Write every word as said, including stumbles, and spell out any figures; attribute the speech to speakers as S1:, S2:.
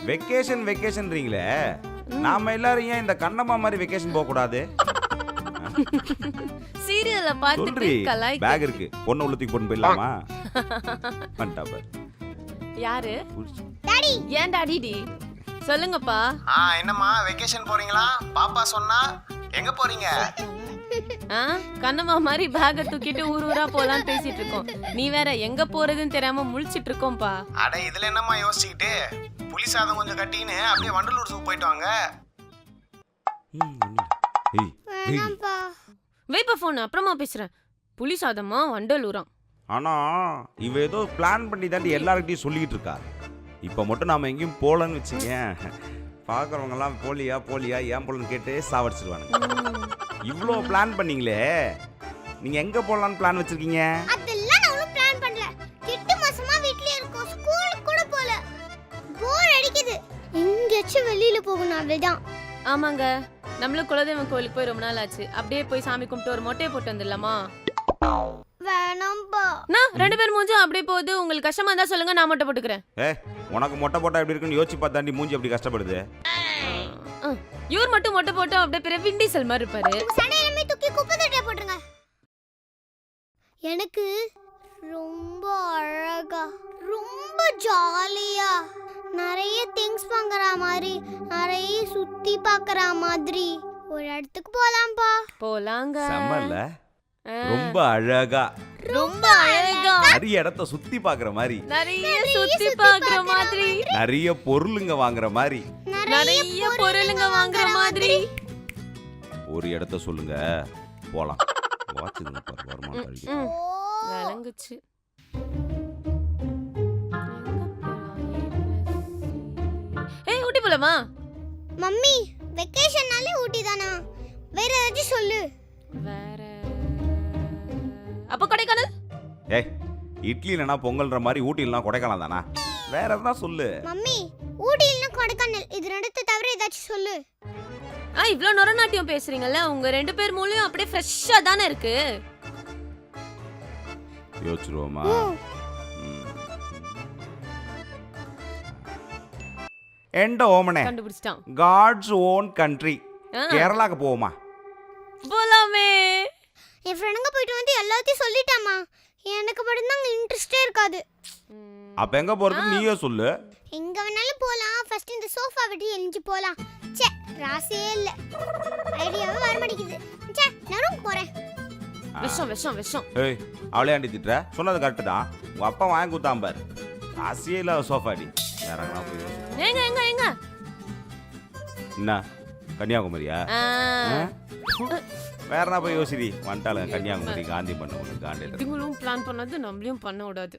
S1: Vacation வெக்கேஷன்றீங்களே, நாம எல்லாரும் ஏன் இந்த கண்ணம்மா மாதிரி வெக்கேஷன் போக கூடாது?
S2: சீரியல்ல பார்த்துட்டு
S1: சொல்றி,
S2: கலாய்க்க.
S1: பேக் இருக்கு, பொண்ணு உள்ளத்துக்கு பொண்ணு போயிடலாமா? வந்துட்டா பாரு.
S2: யாரு?
S1: புடிச்சு.
S3: டாடி
S2: ஏன் டாடி டி? சொல்லுங்கப்பா.
S4: ஆ என்னம்மா வெக்கேஷன் போறீங்களா? பாப்பா சொன்னா எங்க போறீங்க?
S2: ஆ, கண்ணம்மா மாதிரி பேக தூக்கிட்டு ஊர் ஊரா போலாம் பேசிட்டு இருக்கோம். நீ வேற எங்க போறதுன்னு தெரியாம முழிச்சிட்டு இருக்கோம்பா.
S4: அட இதுல என்னம்மா யோசிச்சுக்கிட்டு, புளி சாதம் கொஞ்சம் கட்டின்னு அப்படியே வண்டலூர் ஜூ போயிட்டு வாங்க.
S1: ம், ஒண்ணும் இல்ல. ஏய், ஏய்.
S3: வேணாம்ப்பா.
S2: வைப்பா போன், அப்புறமா பேசுறேன். புலி சாதமா வண்டலூராம்.
S1: ஆனா இவ ஏதோ பிளான் பண்ணி தாண்டி எல்லார்கிட்டயும் சொல்லிக்கிட்டு இருக்கா. இப்ப மட்டும் நாம எங்கேயும் போலன்னு வச்சுங்க, பாக்குறவங்க எல்லாம் போலியா போலியா ஏன் போலன்னு கேட்டு சாவடிச்சிருவானுங்க. இவ்ளோ பிளான் பண்ணீங்களே, நீங்க எங்க போலான்னு பிளான் வச்சிருக்கீங்க?
S3: அதெல்லாம் நான் ஒன்றும் பிளான் பண்ணல. எட்டு மாசமா வீட்லயே இருக்கோம், ஸ்கூலுக்கு கூட போல. போர் அடிக்குது. எங்கேயாச்சும் வெளியில போகணும், அவ்வளவுதான்.
S2: ஆமாங்க, நம்மளும் குலதெய்வம் கோயிலுக்கு போய் ரொம்ப நாள் ஆச்சு. அப்படியே போய் சாமி கும்பிட்டு ஒரு மொட்டையை போட்டு வந்துடலாமா?
S3: வேணாம்பா.
S2: நான் ரெண்டு பேரும் மூஞ்சும் அப்படியே போகுது. உங்களுக்கு கஷ்டமா இருந்தா சொல்லுங்க, நான் மொட்டை போட்டுக்கிறேன்.
S1: ஏ, உனக்கு மொட்டை போட்டா எப்படி இருக்குன்னு யோசிச்சு பார்த்தாண்டி மூஞ்சி அப்படி கஷ்டப்படுது.
S2: ஆ, இவர் மட்டும் மொட்டை போட்டு அப்படியே பெரிய விண்டிசல் மாதிரி இருப்பாரு.
S3: உங்க சண்டை எல்லாமே தூக்கி குப்பை தொட்டில போட்டுருங்க. எனக்கு ரொம்ப அழகா, ரொம்ப ஜாலியா, நிறைய திங்ஸ் வாங்குற மாதிரி, நிறைய சுத்தி பார்க்கற மாதிரி ஒரு இடத்துக்கு போலாம்பா.
S2: போலாங்க.
S1: செம்மல்ல, ரொம்ப அழகா,
S2: ரொம்ப அழகா,
S1: நிறைய இடத்த சுத்தி பாக்குற மாதிரி,
S2: நிறைய சுத்தி பாக்குற மாதிரி,
S1: நிறைய பொருளுங்க வாங்குற மாதிரி.
S2: நிறைய பொருளுங்க வாங்குற மாதிரி.
S1: ஒரு இடத்த சொல்லுங்க, போலாம். வாட்சுங்க பாரு, வருமானம் கழிக்கு.
S2: ம், விளங்குச்சு. ஏய், ஊட்டி போலாமா?
S3: மம்மி, வெக்கேஷன்னாலே ஊட்டி தானா? வேற ஏதாச்சும் சொல்லு.
S2: வேற அப்ப கொடைக்கானல்.
S1: ஏய், இட்லி இல்லைனா பொங்கல்ன்ற மாதிரி ஊட்டி இல்லைனா கொடைக்கானல் தானா? வேற எதனா சொல்லு.
S3: மம்மி, ஊட்டி இல்லைன்னா கொடைக்கானல், இது ரெண்டுத்தை தவிர ஏதாச்சும் சொல்லு.
S2: ஆ, இவ்ளோ நொரநாட்டியம் பேசுறீங்கல்ல, உங்க ரெண்டு பேர் மூளையும் அப்படியே ஃப்ரெஷ்ஷா தானே இருக்கு.
S1: யோசிச்சிருவோமா? எண்ட ஓமனே,
S2: கண்டுபிடிச்சிட்டான்.
S1: காட்ஸ் ஓன் கண்ட்ரி,
S2: ஆ.
S1: கேரளாக்கு போவோமா?
S2: போலாமே.
S3: என் ஃப்ரெண்டுங்க போயிட்டு வந்து எல்லாத்தையும் சொல்லிட்டாமா. எனக்கு மட்டும்தான் இன்ட்ரெஸ்டே இருக்காது.
S1: அப்ப எங்க போறது நீயே சொல்லு.
S3: எங்க வேணாலும் போலாம். ஃபர்ஸ்ட் இந்த சோஃபா விட்டு எழிஞ்சு போலாம். ச்சே, ராசியே இல்ல. ஐடியாவே வர மாட்டேங்குது. ச்சே, நான் போறேன்.
S2: விஷம் விஷம் விஷம்.
S1: ஏய், அவளே ஆண்டி திட்டுற? சொன்னது கரெக்டு தான். உங்க அப்பா வாங்கி கொடுத்தான் பாரு. ராசியே இல்லாத சோஃபாடி. வேற எங்கனா போய் யோசி.
S2: ஏங்க ஏங்க ஏங்க.
S1: என்ன கன்னியாகுமரியா?
S2: ஆ.
S1: ஆ? வேற என்ன போய் யோசிடி. வந்துட்டாலும் கன்னியாகுமரி காந்தி பண்ண ஒன்று காண்டியில்.
S2: இதுங்களும் பிளான் பண்ணது நம்மளையும் பண்ண விடாது.